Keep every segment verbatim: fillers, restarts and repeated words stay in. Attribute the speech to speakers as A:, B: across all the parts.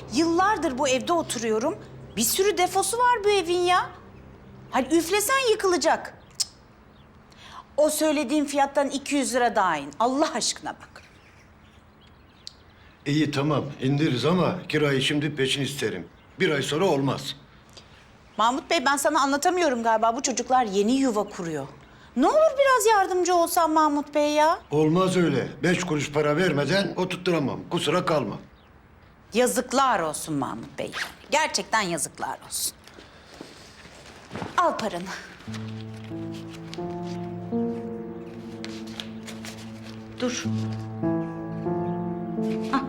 A: Yıllardır bu evde oturuyorum. Bir sürü defosu var bu evin ya. Hani üflesen yıkılacak. Cık. O söylediğin fiyattan iki yüz lira daha in. Allah aşkına bak.
B: İyi tamam indiririz ama kirayı şimdi peşin isterim. Bir ay sonra olmaz.
A: Mahmut Bey, ben sana anlatamıyorum galiba. Bu çocuklar yeni yuva kuruyor. Ne olur biraz yardımcı olsan Mahmut Bey ya.
B: Olmaz öyle. Beş kuruş para vermeden oturtturamam. Kusura kalma.
A: Yazıklar olsun Mahmut Bey. Gerçekten yazıklar olsun. Al paranı. Dur. Al.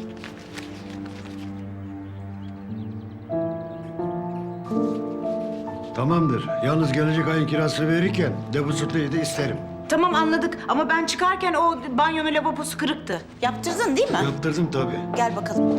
B: Tamamdır. Yalnız gelecek ayın kirasını verirken depozitoyu da isterim.
A: Tamam, anladık ama ben çıkarken o banyonun lavabosu kırıktı. Yaptırdın değil mi?
B: Yaptırdım tabii.
A: Gel bakalım.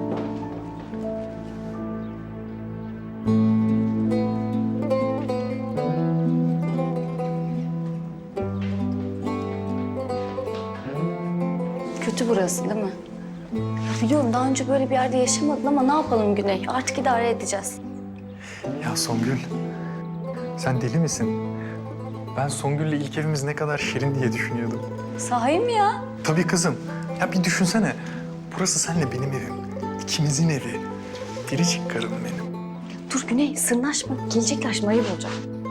C: Kötü burası değil mi? Ya biliyorum daha önce böyle bir yerde yaşamadın ama ne yapalım Güney? Artık idare edeceğiz.
D: Ya Songül, sen deli misin? Ben Songül'le ilk evimiz ne kadar şirin diye düşünüyordum.
C: Sahi mi ya?
D: Tabii kızım. Ya bir düşünsene. Burası senle benim evim. İkimizin evi. Biricik karım benim.
C: Dur Güney sırnaşma. Gelecekler şimdi ayıp olacak.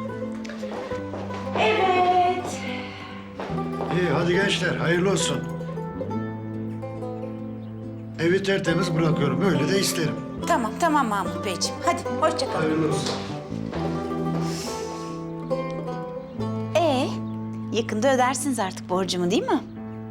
B: İyi hadi gençler hayırlı olsun. Evi tertemiz bırakıyorum. Öyle de isterim.
A: Tamam, tamam Mahmut Beyciğim. Hadi, hoşça kal.
B: Hayırlı olsun.
A: Ee, yakında ödersiniz artık borcumu değil mi?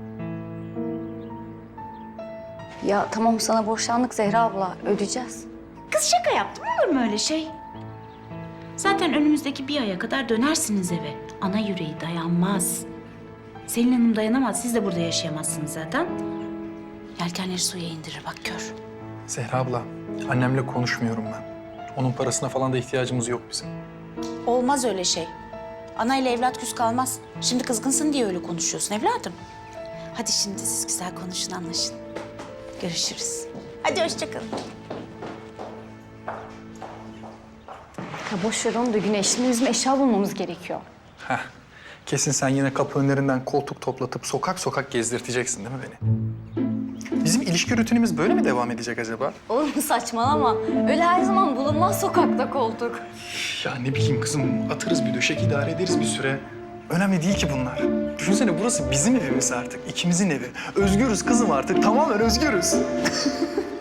C: Ya tamam sana borçlandık Zehra abla. Ödeyeceğiz.
A: Kız şaka yaptım, olur mu öyle şey? Zaten önümüzdeki bir aya kadar dönersiniz eve. Ana yüreği dayanmaz. Selin Hanım dayanamaz, siz de burada yaşayamazsınız zaten. Yelkenleri suya indirir, bak gör.
D: Zehra abla, annemle konuşmuyorum ben. Onun parasına falan da ihtiyacımız yok bizim.
A: Olmaz öyle şey. Ana ile evlat küs kalmaz. Şimdi kızgınsın diye öyle konuşuyorsun evladım. Hadi şimdi siz güzel konuşun, anlaşın. Görüşürüz. Hadi hoşça kalın.
C: Ya boş ver onu da Güney. Şimdi bizim eşya bulmamız gerekiyor.
D: Heh, kesin sen yine kapı önlerinden koltuk toplatıp sokak sokak gezdirteceksin değil mi beni? Bizim ilişki rutinimiz böyle mi devam edecek acaba?
C: Oğlum saçmalama. Öyle her zaman bulunmaz sokakta koltuk.
D: Ya ne bileyim kızım, atarız bir döşek, idare ederiz bir süre. Önemli değil ki bunlar. Düşünsene burası bizim evimiz artık, ikimizin evi. Özgürüz kızım artık, tamamen özgürüz.